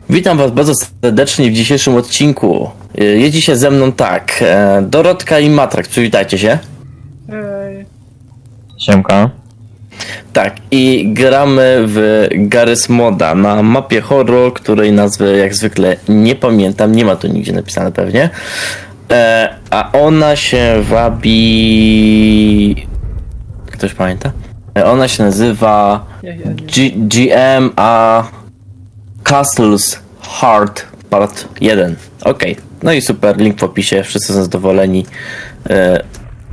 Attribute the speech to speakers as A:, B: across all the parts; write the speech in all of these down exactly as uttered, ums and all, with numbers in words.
A: Witam was bardzo serdecznie w dzisiejszym odcinku. Jest dzisiaj ze mną tak, Dorotka i Matrak, przywitajcie się.
B: Hej.
C: Siemka.
A: Tak, i gramy w Garry's Moda na mapie horror, której nazwy jak zwykle nie pamiętam, nie ma tu nigdzie napisane pewnie. E, a ona się wabi... Ktoś pamięta? E, ona się nazywa
B: Ja, ja nie.
A: G GM a Castle's Heart Part jeden. Okej, okay. No i super, link w opisie, wszyscy są zadowoleni. E,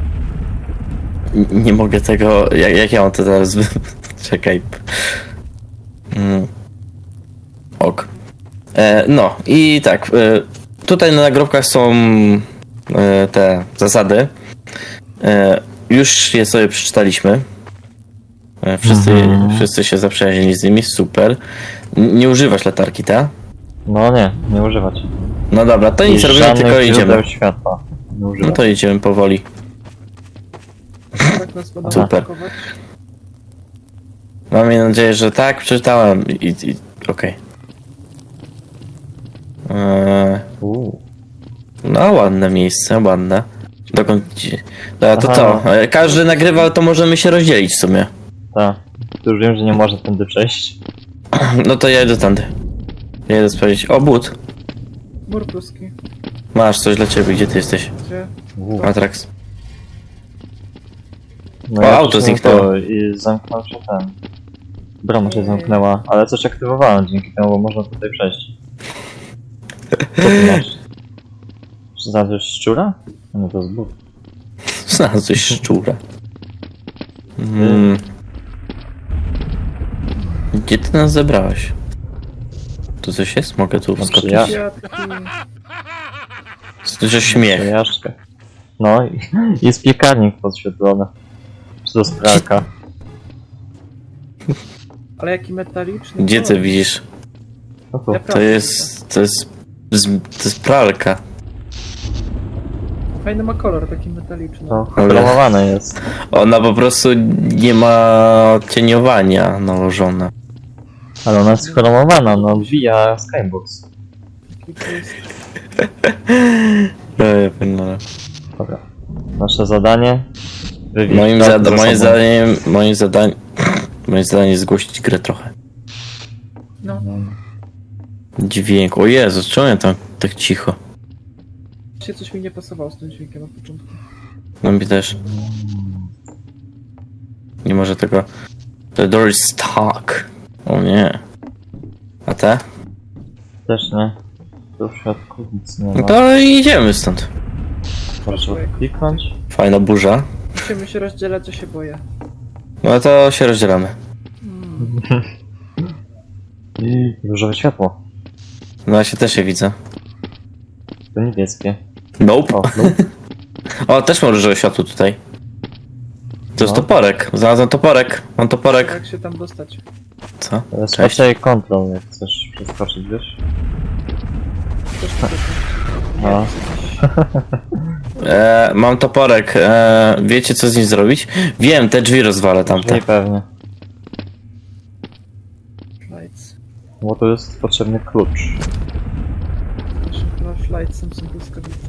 A: nie mogę tego, jak, jak ja mam to teraz, czekaj. Mm. Ok. E, no i tak, e, tutaj na nagrobkach są e, te zasady. E, już je sobie przeczytaliśmy. E, wszyscy,
C: Mhm.
A: wszyscy się zaprzyjaźnili z nimi, super. N- nie używasz latarki, tak?
C: No nie, nie używać.
A: No dobra, to nic
C: I
A: robimy,
C: żadnych
A: tylko idziemy.
C: źródeł światła. Nie
A: No
C: używać.
A: to idziemy powoli.
B: Tak nas będą
A: Super.
B: atakować.
A: Mam nadzieję, że tak, przeczytałem i, i okej. Eee,
C: Uuu.
A: no ładne miejsce, ładne. Dokąd ci... Dobra, to
C: Aha.
A: co? E, Każdy nagrywa, to możemy się rozdzielić w sumie.
C: Tak. Tu już wiem, że nie można tędy przejść.
A: No to ja idę tamty. Ja idę sprawdzić. O, but.
B: Mur pruski.
A: Masz coś dla ciebie, gdzie ty jesteś?
B: Gdzie?
C: Uuu.
A: Matrax.
C: No
A: O,
C: ja
A: auto
C: przyszedłem
A: zniknęło.
C: to I zamknął się ten. Brama się zamknęła, ale coś aktywowałem dzięki temu, bo można tutaj przejść. Co ty masz? Czy znalazłeś szczura? No to jest but.
A: Znalazłeś szczura. Mm. Gdzie ty nas zebrałeś? Tu coś jest? Mogę tu
C: No,
A: wskoczyć?
C: Ja-
B: Kwiatki.
A: Słyszę śmiech.
C: Jaszczkę. No i jest piekarnik podświetlony. Czy to jest pralka?
B: Ale jaki metaliczny.
A: Gdzie ty
B: kolor.
A: widzisz?
C: No tu.
B: Ja
A: To
B: prawda.
A: jest... To jest... z- To jest pralka.
B: Fajny ma kolor, taki metaliczny.
C: To chromowane jest.
A: Ona po prostu nie ma cieniowania nałożone.
C: Ale ona jest chromowana, no via Skybox.
B: Taki to jest.
A: No, ja pierdolę.
C: Dobra. Nasze zadanie. Wywieźć
A: Moim,
C: pralkę
A: zada
C: za
A: moim
C: sobą.
A: zadaniem... Moim zadaniem... Moim zadaniem jest zgłosić grę trochę.
B: No.
A: Dźwięk. O Jezu, czemu ja tam tak cicho?
B: Się coś mi nie pasowało z tym dźwiękiem na początku.
A: No mi też. Nie może tego... The door is stuck. O nie. A te?
C: Też nie. Tu w środku nic nie
A: No
C: ma.
A: to idziemy stąd.
C: Proszę kliknąć.
A: Fajna burza.
B: Musimy się rozdzielać, co się boję.
A: No to się rozdzielamy.
B: Mm.
C: I różowe światło.
A: No ja się też je widzę.
C: To niebieskie.
A: Nope.
C: O, no.
A: O, też mam różowe światło tutaj. To jest
C: No.
A: toporek. Znalazłem toporek. Mam toporek.
B: Jak się tam dostać?
A: Co?
C: To jest
A: Cześć.
C: raczej kontrol, jak chcesz przeskoczyć, wiesz?
B: Też potrzebne.
C: No.
A: E, mam toporek. E, wiecie co z nim zrobić? Wiem, te drzwi rozwalę tamte.
C: Czyli pewnie.
B: Lights.
C: Bo tu jest potrzebny klucz.
B: Naszym flashlightsem są błyskawice.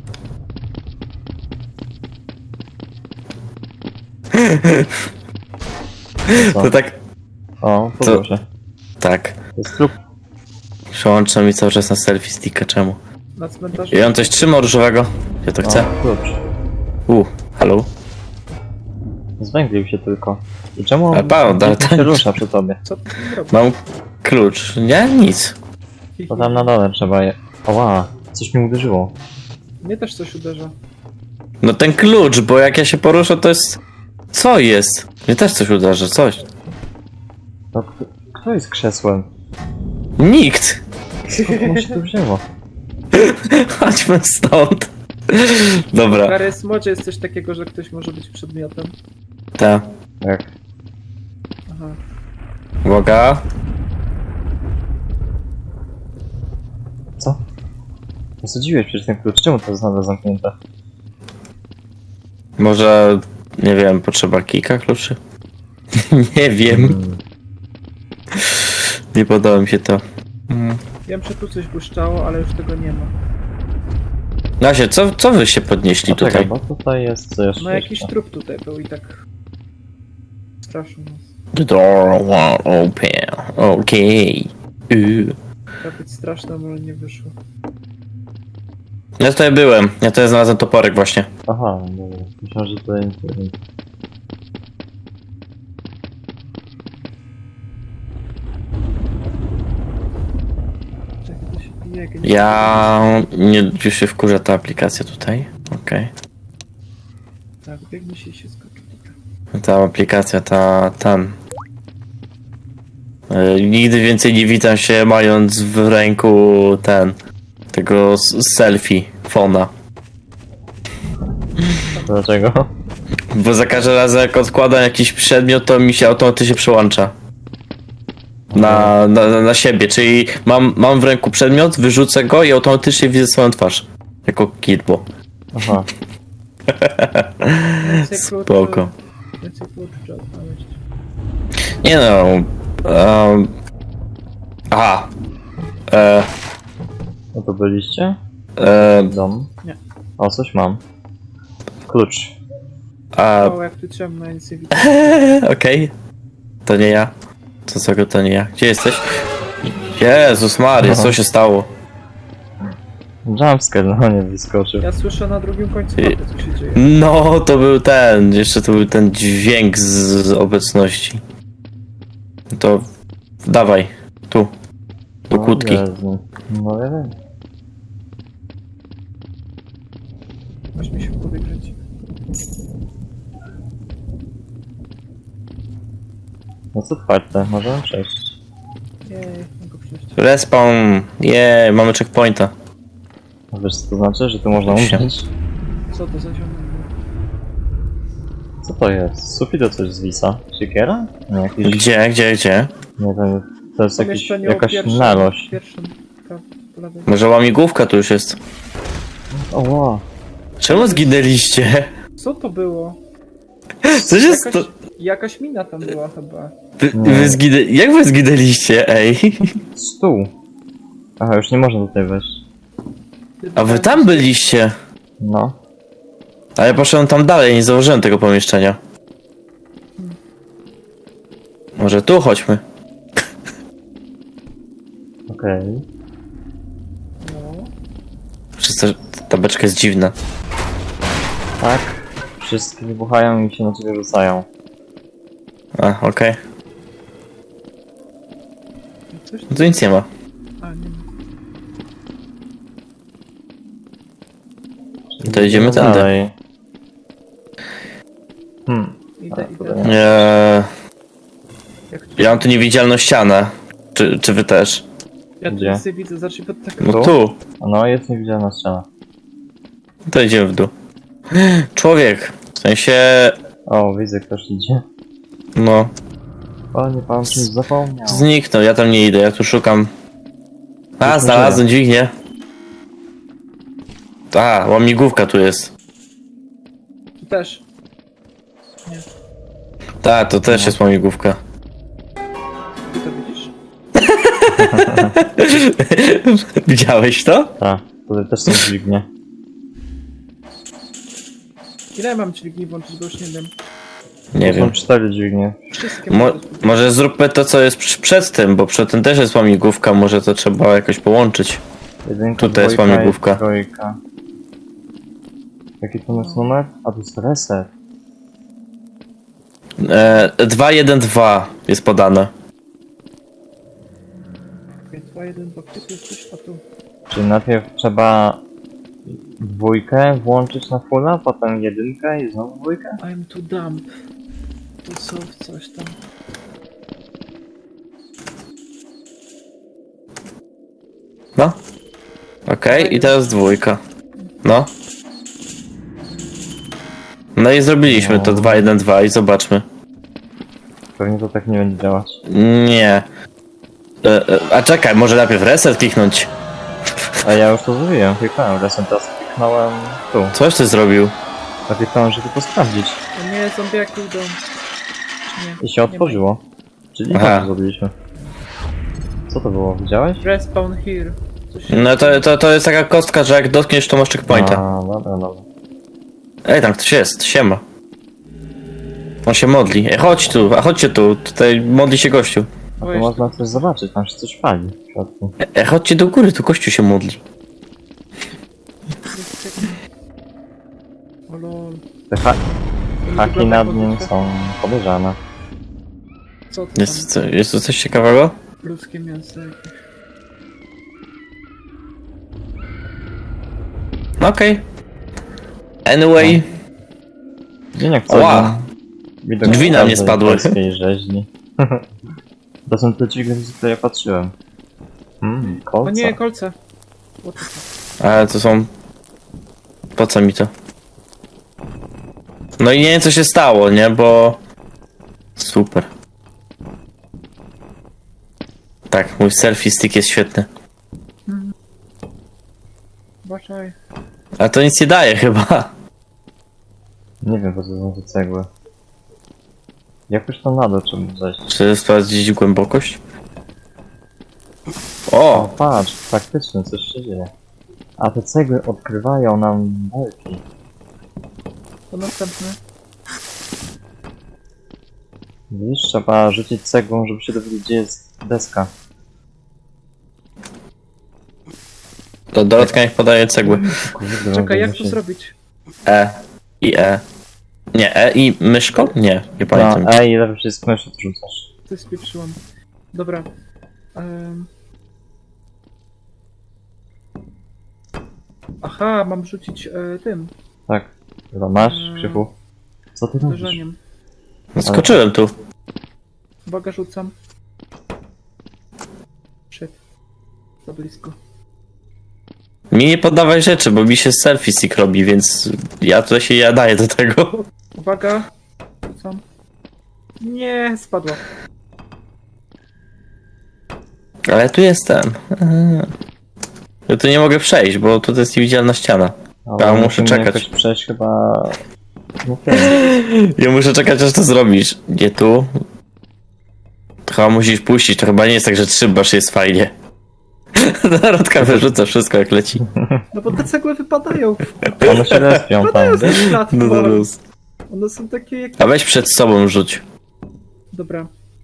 C: Co?
A: To tak...
C: O,
A: Co?
C: proszę.
A: Tak.
C: To jest trup.
A: Przełączam mi cały czas na selfie sticka. Czemu?
B: Na cmentarzu.
A: Ja on coś trzyma różowego. Ja to chcę.
C: O, klucz.
A: U, hello.
C: Zwęglił się tylko. I czemu
A: Ale Paweł,
C: on
A: ale
C: się
A: tak-
C: rusza przy tobie?
B: Co ty tam robisz?
A: Mam klucz. Nie? Nic.
C: To tam na dole trzeba je... Oła, coś mi uderzyło.
B: Mnie też coś uderza.
A: No ten klucz, bo jak ja się poruszę, to jest... Co jest? Mnie też coś uderzy, coś.
C: No, kto, kto jest krzesłem?
A: Nikt!
C: Skąd mu się tu wzięło?
A: Chodźmy stąd.
B: W
A: Dobra,
B: Garry's Modzie jest coś takiego, że ktoś może być przedmiotem.
A: ta.
C: Jak?
B: Aha.
A: Uwaga.
C: Co? Zasadziłeś przecież ten klucz. Czemu to jest nadal zamknięte?
A: Może... Nie wiem, potrzeba kilka kluczy? Nie wiem.
C: Hmm.
A: Nie podoba mi się to. Mm.
B: Wiem, że tu coś błyszczało, ale już tego nie ma.
A: Nasie, co, co wy się podnieśli
C: No czekaj,
A: tutaj?
C: bo tutaj jest co jeszcze.
B: No jakiś
C: jeszcze.
B: trup tutaj był i tak... Straszył nas.
A: The door won't open. Okej. Okay.
B: Miał być straszne, ale nie wyszło.
A: Ja tutaj byłem. Ja tutaj znalazłem toporek właśnie.
C: Aha, dobra. Myślałem, że tutaj nic nie wiem.
B: Czekaj, to się bije, jak nie-
A: Ja... Nie, już się wkurza ta aplikacja tutaj. Okej.
B: Tak, biegnie się i się skoczy tutaj.
A: Ta aplikacja, ta... tam. E, nigdy więcej nie witam się mając w ręku ten... Tego s- selfie, fona.
C: Dlaczego?
A: Bo za każdym razem jak odkładam jakiś przedmiot, to mi się automatycznie przełącza. Na, na, na siebie, czyli mam, mam w ręku przedmiot, wyrzucę go i automatycznie widzę swoją twarz. Jako kidbo.
C: Aha.
B: Więcej
A: Spoko.
B: kluczy- Więcej kluczy trzeba znaleźć.
A: Nie no. Um, aha. E,
C: No to byliście?
A: e,
C: Dom?
B: Nie.
C: O, coś mam. Klucz.
A: a,
B: O, jak tu ciemno, ja nic nie widzę.
A: okej. To nie ja. To co to nie ja. Gdzie jesteś? Jezus Maria, co się stało?
C: Jumpscare, no nie wyskoczył.
B: Ja słyszę na drugim końcu
A: I-
B: mapy, co się dzieje.
A: No, to był ten, jeszcze to był ten dźwięk z, z obecności. To dawaj, tu, do
C: O
A: kłódki.
C: Jezu. No ja wiem.
B: Aż mi się w głowie kręci.
C: No co otwarte, możemy przejść.
B: Jej, mogę przejść.
A: Respawn, je, mamy checkpointa.
C: A wiesz co to znaczy, że tu można
A: Się.
C: umrzeć?
B: Co to za ziomek?
C: Co to jest? Z sufitu coś zwisa? Siekiera? Nie, jakiś...
A: Gdzie, gdzie, gdzie?
C: Nie wiem, to jest jakiś,
B: Pomieszczenie o
C: jakaś
B: pierwszym-
C: narośl.
B: Pierwszym, prawo, po lewej.
A: Może łamigłówka tu już jest.
C: O wow.
A: Czemu zginęliście?
B: Co to było?
A: Co się
B: Jakaś,
A: sto...
B: jakaś mina tam była chyba.
A: Wy,
C: Nie.
A: wy zginę... Jak wy zginęliście, ej?
C: Stół. Aha, już nie można tutaj wejść.
A: A wy tam byliście?
C: No.
A: A ja poszedłem tam dalej, nie założyłem tego pomieszczenia. Może tu chodźmy.
C: Okej.
B: No.
A: Przez to, że ta beczka jest dziwna.
C: Tak. Wszystkie wybuchają i się na ciebie rzucają.
A: A, okej.
B: Coś
A: No to nic nie ma.
B: A, nie ma.
A: To idziemy tędy.
C: dalej. Hmm.
B: Idę,
C: A,
B: idę.
C: dobra.
A: Eee,
B: Jak tu,
A: ja mam tu niewidzialną ścianę. Czy, czy wy też?
B: ja tu
C: Gdzie?
B: nic nie widzę, zacznij pod tak.
A: No
C: Tu?
A: tu.
C: No jest niewidzialna ściana.
A: To idziemy w dół. Człowiek. W sensie...
C: O, widzę, ktoś idzie.
A: No.
C: Panie, pan czymś zapomniał.
A: Zniknął, ja tam nie idę, ja tu szukam. A,
C: Już
A: znalazłem dźwignię. A, łamigłówka tu jest.
B: Tu też. Nie,
A: Tak, to też jest łamigłówka.
B: ty to widzisz?
A: Widziałeś to?
C: Tak, tutaj też są dźwignie.
B: Ile mam dźwigni włączyć, bo już nie wiem.
A: Nie
C: Tu są
A: wiem.
C: cztery dźwignie.
B: Wszystkie
A: Mo
B: mogę spróbować.
A: może zróbmy to, co jest przy- przed tym, bo przed tym też jest łamigłówka, może to trzeba jakoś połączyć.
C: Jedynka,
A: Tutaj jest
C: dwójka i
A: łamigłówka.
C: trójka. Jaki to jest numer? A to jest reset.
A: E, dwa jeden dwa jest podane.
B: dwa, jeden, dwa, tu jest coś, a tu.
C: Czyli najpierw trzeba dwójkę włączyć na fulla, potem jedynkę i znowu dwójkę?
B: I'm too dumb. Tu są coś tam.
A: No. Okej, i teraz dwójka. No. No i zrobiliśmy to
C: No.
A: dwa jeden dwa i zobaczmy.
C: Pewnie to tak nie będzie działać.
A: Nie. E, e, a czekaj, może najpierw reset kliknąć.
C: A ja już to zrobiłem, kliknąłem reset, teraz kliknąłem tu.
A: Coś ty zrobił?
C: Ja kliknąłem, żeby to sprawdzić.
B: A nie, zombiaki idą. Czy nie?
C: I się
B: Nie ma.
C: otworzyło. Czyli
A: Aha.
C: to zrobiliśmy. Co to było? Widziałeś?
B: Respawn here. Coś się...
A: No to, to, to jest taka kostka, że jak dotkniesz, to masz checkpointa.
C: A, dobra, dobra.
A: Ej, tam ktoś jest, siema. On się modli. Ej, chodź tu, a chodźcie tu, tutaj modli się gościu.
C: A
B: O,
C: tu
B: jeszcze-
C: można coś zobaczyć, tam się coś pali w środku.
A: Ej, chodźcie do góry, tu gościu się modli.
B: O lol.
C: Te ha haki
B: Wygląda
C: nad
B: jak
C: nim
B: lodówka.
C: są podejrzane.
B: Co to
A: Jest,
B: tam?
A: co- jest tu coś ciekawego?
B: Ludzkie mięso jakieś.
A: No okej. Anyway,
C: Dzień jak
A: Ła.
C: co? Widok
A: Drzwi na mnie
C: każdej
A: spadły.
C: polskiej rzeźni. To są te drzwi, z których ja patrzyłem. Hmm,
B: O
C: kolca.
B: nie, kolce. What the fuck?
A: ale to są... Po co mi to? No i nie wiem co się stało, nie, bo... Super. Tak, mój selfie stick jest świetny.
B: Baczaj.
A: Ale to nic nie daje chyba.
C: Nie wiem, po co są te cegły. Jakoś tam na dół trzeba zejść.
A: Czy sprawdzić głębokość?
C: O,
A: O!
C: patrz, faktycznie coś się dzieje. A te cegły odkrywają nam belki.
B: To następny.
C: Widzisz, trzeba rzucić cegłą, żeby się dowiedzieć, gdzie jest deska.
A: To Dorotka niech podaje cegły.
C: Kurde,
B: Czekaj, jak
C: będę
B: to
C: się-
B: zrobić?
A: E i E. Nie, E i myszką? Nie, nie pamiętam.
C: No, ej, lepiej jest mysz odrzucasz.
B: Ty spieprzyłam. Dobra. Um... Aha, mam rzucić e, tym,
C: Tak. Chyba masz,
B: Mm.
C: Krzychu? Co ty robisz?
B: uderzeniem.
A: No, skoczyłem tu.
B: Uwaga, rzucam. Shit. Za blisko.
A: Mi nie poddawaj rzeczy, bo mi się selfie stick robi, więc ja tutaj się ja daję do tego.
B: Uwaga. Rzucam. Nie, spadła.
A: Ale tu jestem. Eee. Ja tu nie mogę przejść, bo tu jest niewidzialna ściana.
C: Ale
A: Ja muszę
C: musimy
A: czekać.
C: jakoś przejść chyba... No tym.
A: Ja muszę czekać, aż to zrobisz. Nie tu. To chyba musisz puścić, to chyba nie jest tak, że trzymasz jest fajnie. Narodka wyrzuca wszystko jak leci.
B: No bo te cegły wypadają.
C: One się respią
B: Wypadają
C: tam,
B: z tych
A: No
B: platform.
A: zaraz.
B: One są takie jak...
A: A weź przed sobą rzuć.
B: Dobra.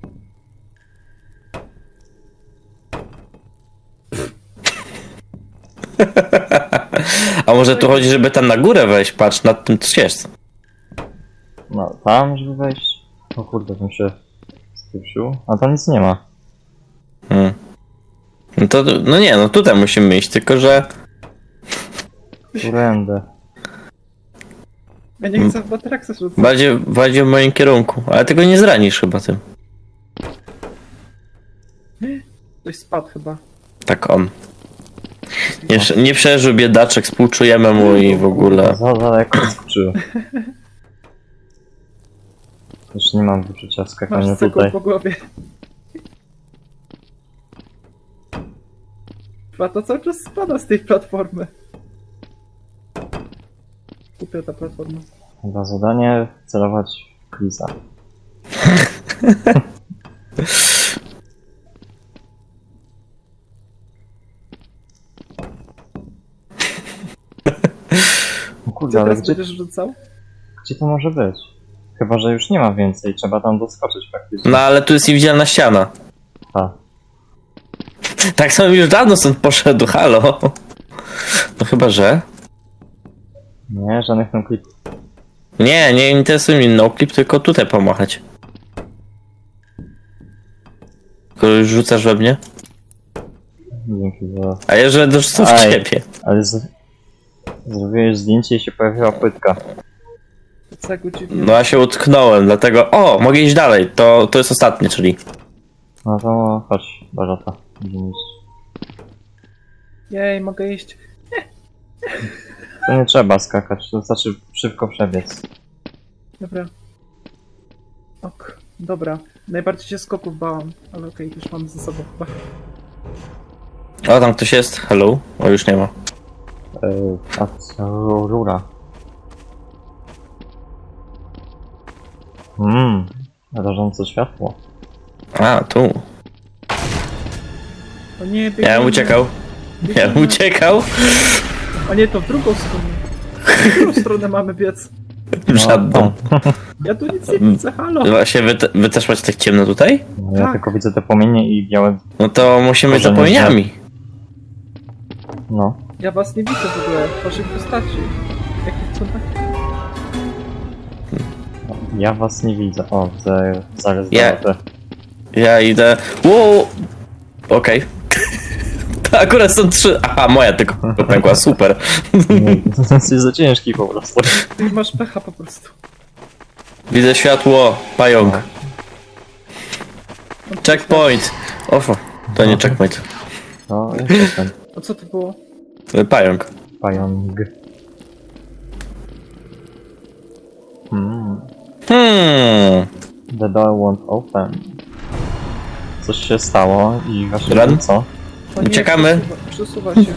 A: A może tu chodzi, żeby tam na górę wejść? Patrz, nad tym coś jest.
C: No, tam, żeby wejść. O kurde, bym się spieszył. A tam nic nie ma.
A: Hmm. No to, no nie, no tutaj musimy iść, tylko że...
C: Kurędę.
B: Ja nie chcę w Batraxa rzucać.
A: Bardziej, bardziej w moim kierunku. Ale tego nie zranisz chyba tym.
B: Ktoś spadł chyba.
A: Tak on. Nie, prze- nie przeżył biedaczek, współczujemy mu i w ogóle.
C: Za daleko skoczyłem. Już nie mam wyczucia skakania
B: Masz cegłą
C: tutaj.
B: po głowie. Chyba to cały czas spada z tej platformy. Kupia ta platforma.
C: Chyba zadanie celować w Chrisa. No
B: Co
C: kurde, ale
B: teraz
C: gdzie,
B: będziesz rzucał?
C: gdzie to może być? Chyba, że już nie ma więcej, trzeba tam doskoczyć faktycznie.
A: No ale tu jest niewidzialna ściana.
C: Ta.
A: Tak samo już dawno stąd poszedł, halo. No chyba, że...
C: Nie, żadnych tam klipów.
A: Nie, nie interesuje mnie no clip, tylko tutaj pomachać. Tylko już rzucasz we mnie?
C: Dzięki za...
A: A ja że dorzucę w
C: Aj.
A: ciebie.
C: Ale z... zrobiłeś zdjęcie i się pojawiła płytka.
B: To cegły dziwnie.
A: No ja się utknąłem, dlatego... O, mogę iść dalej, to, to jest ostatnie, czyli...
C: No to chodź, Barata. Będziemy iść.
B: Jej, mogę iść.
C: To nie trzeba skakać, to znaczy szybko przebiec.
B: Dobra. Ok, dobra. Najbardziej się skoków bałam, ale okej, już mam ze sobą chyba.
A: O, tam ktoś jest, hello. O, już nie ma.
C: Yy, a co rura? Mmm, rażące światło.
A: A, tu.
B: O nie,
A: Ja
B: biegniemy.
A: bym uciekał. Ja bym
B: Biegniemy.
A: uciekał.
B: A nie, to w drugą stronę. W którą stronę mamy biec?
A: W żadną.
B: Ja tu nic nie widzę, halo.
A: Właśnie wy, te, wy też macie tak ciemno tutaj?
C: No, ja
B: Tak.
C: tylko widzę te płomienie i białe...
A: No to musimy
C: Może
A: za
C: nie
A: płomieniami.
C: No.
B: Ja was nie widzę w ogóle, waszych postaci. Jakich cudach?
C: Ja was nie widzę. O, widzę zaraz
A: Ja-
C: te.
A: Ja idę. Wow! Okej. To akurat są trzy. Aha, moja tylko pękła, super.
C: Jesteś za ciężki po prostu.
B: Ty masz pecha po prostu.
A: Widzę światło, pająk. Checkpoint! Ofo, to nie checkpoint.
C: No, jeszcze ten
B: A co to było?
A: Pająk.
C: pająk. Hmm.
A: Hmm.
C: The door won't open. Coś się stało i właśnie
A: Run?
C: co?
B: O nie,
A: Uciekamy.
B: Przesuwa, przesuwa się.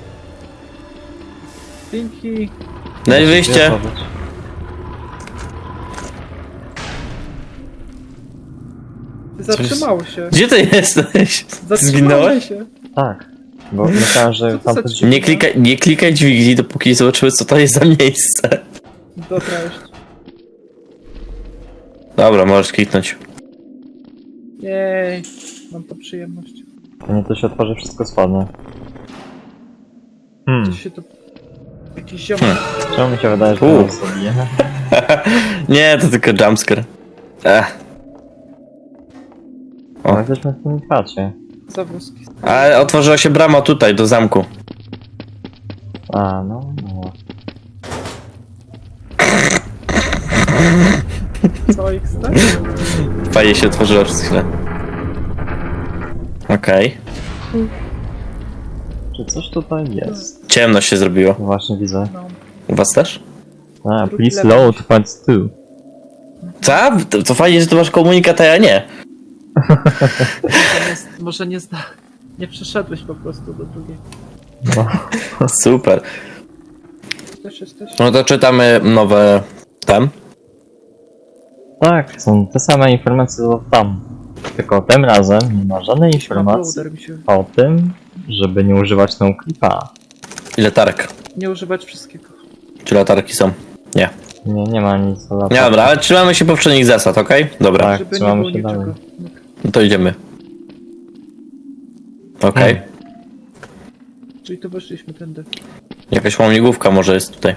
B: Pinki.
A: No i wyjście.
B: Zatrzymało się.
A: Gdzie ty jesteś?
B: Zatrzymało
A: Zginąłeś?
B: się.
C: Tak, bo myślałem, że
B: Co to
C: tam
B: za
C: coś...
B: dźwięk?
A: Nie klikaj, nie klikaj dźwigni, dopóki nie zobaczymy, co to jest za miejsce.
B: Dobra, jeszcze.
A: Dobra, możesz kliknąć.
B: Jej. Mam to przyjemność.
C: To nie to się otworzy, wszystko spadnie. Hmm,
B: Gdzieś się to... Jakiś ziomek.
A: Hmm.
C: czemu mi się wydaje, że
A: U.
C: to zabije?
A: Nie, to tylko jumpscare. Ech.
C: O, jesteśmy w tym chacie.
B: Zawózki.
A: Ale otworzyła się brama tutaj, do zamku.
C: A, no, no.
B: Co X, tak?
A: Fajnie się otworzyła przez chwilę. Okej.
C: Czy coś tutaj jest?
A: Ciemno się zrobiło.
C: Właśnie widzę.
B: No.
A: U was też?
C: A,
B: Drugi
C: please
B: level.
C: load part two.
A: Co? To, to fajnie, że tu masz komunikat, a ja nie.
B: Może nie, może nie zda... Nie przeszedłeś po prostu do drugiej.
C: No.
A: Super.
B: Też jesteś?
A: No to czytamy nowe tam.
C: Tak, są te same informacje co tam. Tylko tym razem nie ma żadnej informacji
B: Uploader mi się...
C: o tym, żeby nie używać tą klipa.
A: I latarek.
B: Nie używać wszystkiego.
A: Czy latarki są? Nie.
C: Nie, nie ma nic o
A: Nie,
C: latarce.
A: dobra, ale trzymamy się poprzednich zasad, okej? Dobra,
C: Tak,
B: Żeby nie
C: trzymamy
B: było
C: się
B: niczego.
C: dalej.
A: no to idziemy. Okej.
C: Hmm.
B: Czyli to weszliśmy tędy.
A: Jakaś łamigłówka może jest tutaj.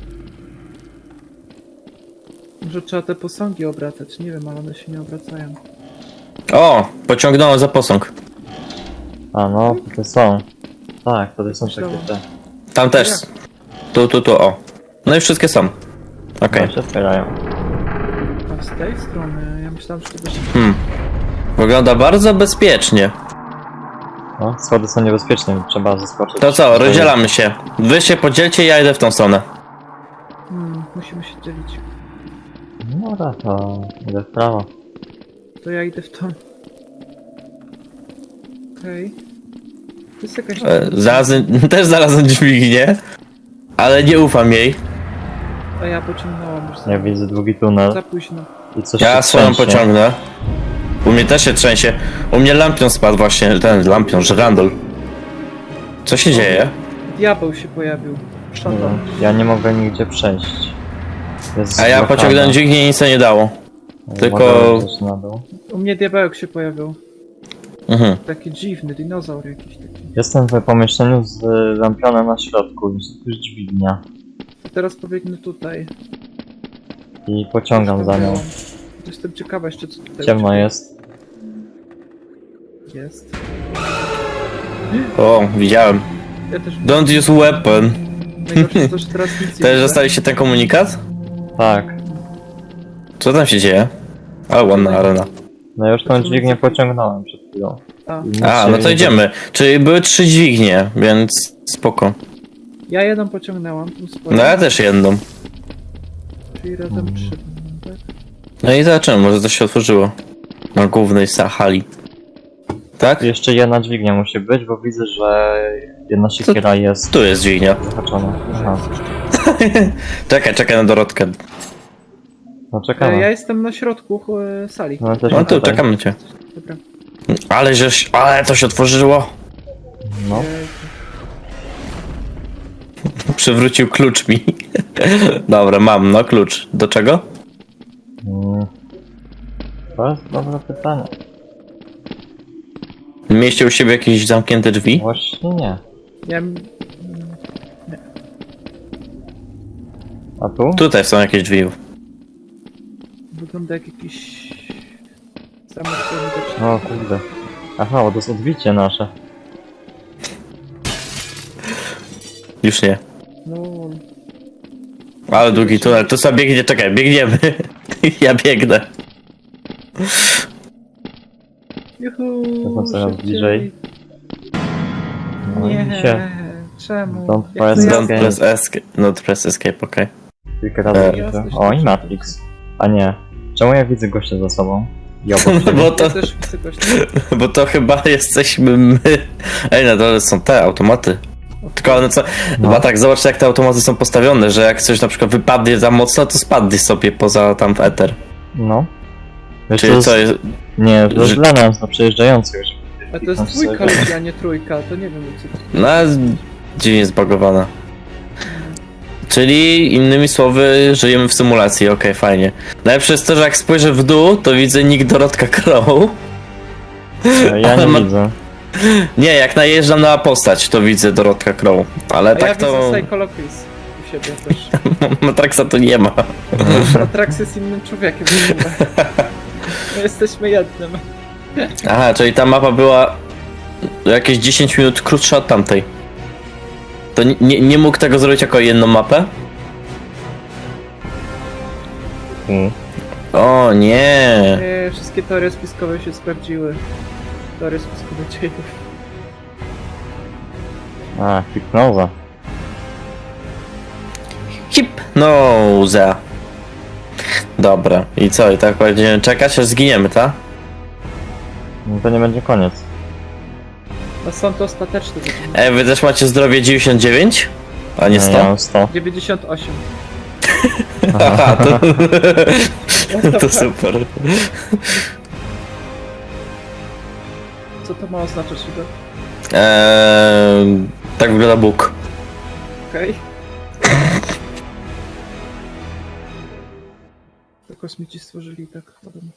B: Może trzeba te posągi obracać, nie wiem, ale one się nie obracają.
A: O! Pociągnąłem za posąg.
C: A no, tutaj są. Tak, tutaj są takie
B: Myślałem.
C: te.
A: Tam też. Tu, tu, tu, o. No i wszystkie są. Okej.
C: Okay. się otwierają.
B: A z tej strony, ja myślałem, że to będzie...
A: Hmm. Wygląda bardzo bezpiecznie.
C: No, schody są niebezpieczne, trzeba zaskoczyć.
A: To co, rozdzielamy się. Wy się podzielcie, ja idę w tą stronę.
B: Hmm, musimy się dzielić.
C: No dobra, to idę w prawo.
B: To ja idę w tą. Okej. To jest jakaś...
A: E, znalazłem, też znalazłem dźwignię, ale nie ufam jej.
B: A ja pociągnęłam już za,
C: Ja widzę długi tunel
B: za późno.
C: i coś
A: Ja
C: się
A: swoją
C: trzęsie.
A: pociągnę. U mnie też się trzęsie. U mnie lampion spadł właśnie, ten lampion, żyrandol. Co się dzieje?
B: Diabeł się pojawił.
C: Nie
B: Szatan.
C: wiem, ja nie mogę nigdzie przejść. Jest
A: A ja
C: blokada.
A: pociągnąłem dźwignię i nic to nie dało. tylko-
C: Mogę zejść na dół.
B: U mnie diabełek się pojawił.
A: Mhm.
B: Taki dziwny, dinozaur jakiś taki.
C: Jestem w pomieszczeniu z lampionem na środku, jest tu już dźwignia.
B: Teraz pobiegnę tutaj.
C: I pociągam za nią.
B: Jestem ciekawa jeszcze co tutaj
C: Ciemno
B: u ciebie
C: jest.
B: jest.
A: O, widziałem.
B: Ja też...
A: Don't use weapon.
B: Najgorsze jest to, że teraz nic nie
A: Też
B: widzę.
A: dostaliście ten komunikat?
C: Tak.
A: Co tam się dzieje? Ale ładna arena.
C: No już tą dźwignię pociągnąłem przed chwilą.
B: A,
C: I nic
A: A,
C: się
A: no to
C: nie-
A: idziemy. Czyli były trzy dźwignie, więc spoko.
B: ja jedną pociągnęłam, tu swoją,
A: No ja też jedną.
B: czyli razem trzy. Tak?
A: No i zobaczymy, może coś się otworzyło. Na głównej sa- hali. Tak?
C: Jeszcze jedna dźwignia musi być, bo widzę, że jedna siekiera jest
A: Tu jest dźwignia.
C: zahaczona. Aha.
A: Czekaj, czekaj na Dorotkę.
C: No
B: E,
C: czekamy.
B: Ja jestem na środku e, sali.
C: No, jesteśmy
A: No tu,
C: tutaj.
A: czekamy na cię.
B: Dobra.
A: Ale żeś, ale to się otworzyło.
C: No.
B: Jejku.
A: Przywrócił klucz mi. Dobra, mam, no klucz. Do czego?
C: Mm. To jest dobre pytanie.
A: Mieście u siebie jakieś zamknięte drzwi?
C: Właśnie nie.
B: Ja... m-
C: A tu?
A: Tutaj są jakieś drzwi.
B: Wygląda jak jakiś... Zamek widoczny.
C: O kurde. Aha, bo to jest odbicie nasze.
A: Już nie.
B: No...
A: Ale długi tunel. To sobie biegnie, czekaj, biegniemy. Ja biegnę.
B: Juhu,
C: To są coraz
B: szybciej.
C: bliżej. No i
B: Nie,
C: się.
B: czemu?
C: Don't
B: Jak
C: press
B: to
A: Don't
B: jasne.
A: press escape. Not press escape, okej.
C: Kilka razy
A: E.
C: widzę.
B: Jesteś
C: O, i
B: też-
C: Matrix. A nie. Czemu ja widzę gościa za sobą? Ja obok
A: No
C: siebie.
A: bo to,
B: Ja też chcę coś
A: bo to chyba jesteśmy my. Ej, na dole są te automaty. Tylko one co.
C: No.
A: Chyba tak, zobacz jak te automaty są postawione, że jak coś na przykład wypadnie za mocno, to spadnie sobie poza tam w eter.
C: No. Wiesz,
A: Czyli
C: to
A: co
C: jest...
A: jest.
C: Nie, to
A: że-
C: jest dla nas, dla przejeżdżających. że-
B: A to jest dwójka ludzi, a nie trójka, to nie wiem co to...
A: No, dziwnie zbagowana. Czyli innymi słowy, żyjemy w symulacji, okej, fajnie. Najlepsze jest to, że jak spojrzę w dół, to widzę nick Dorotka Crow.
C: Ja
A: Ale
C: nie
A: ma-
C: widzę.
A: Nie, jak najeżdżam na postać, to widzę Dorotka Crow. Ale
B: A
A: tak
B: ja
A: to.
B: widzę Psychologis u siebie też.
A: Matraxa to nie ma.
B: Atrax jest innym człowiekiem w ogóle. My jesteśmy jednym.
A: Aha, czyli ta mapa była jakieś dziesięć minut krótsza od tamtej. To nie, nie, nie mógł tego zrobić jako jedną mapę?
C: Mm.
A: O nie.
B: Nie, wszystkie teorie spiskowe się sprawdziły. Teorie spiskowe dziejów.
C: A, hipnoza.
A: Hipnoza. Dobra, i co? I tak będziemy czekać, aż zginiemy, tak?
C: No to nie będzie koniec.
B: No są to ostateczne wyczyny.
A: Ej, wy też macie zdrowie dziewięćdziesiąt dziewięć? A nie
C: Ja
A: sto?
C: mam sto.
B: dziewięćdziesiąt osiem.
A: Aha, to, to super.
B: Co to ma oznaczać, Igor?
A: Eee, tak wygląda Bóg.
B: Okej. To kosmici stworzyli tak. Podobnie.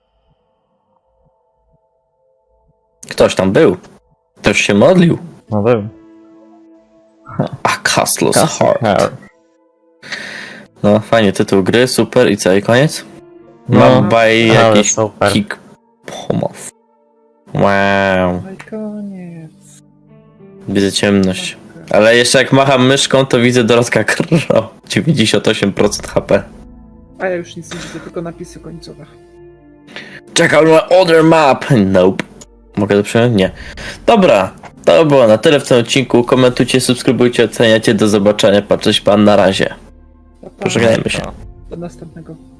A: Ktoś tam był. Ktoś się modlił.
C: No był.
A: A Castle's
C: Castle
A: Heart.
C: Heart.
A: No, fajnie, tytuł gry, super. I co, i koniec?
C: No,
A: Mam by
C: ale
A: jakiś
C: super.
A: kick pomow. Wow.
B: No i koniec.
A: Widzę ciemność. Ale jeszcze jak macham myszką, to widzę Dorotka Crow. dziewięćdziesiąt osiem procent H P.
B: A ja już nic nie widzę, tylko napisy końcowe.
A: Check out my other map. Nope. Mogę to przyjąć? Nie. Dobra. To było na tyle w tym odcinku. Komentujcie, subskrybujcie, oceniacie. Do zobaczenia. Patrzeć pan na razie.
B: Pa, pa.
A: Pożegnajmy się.
B: Do następnego.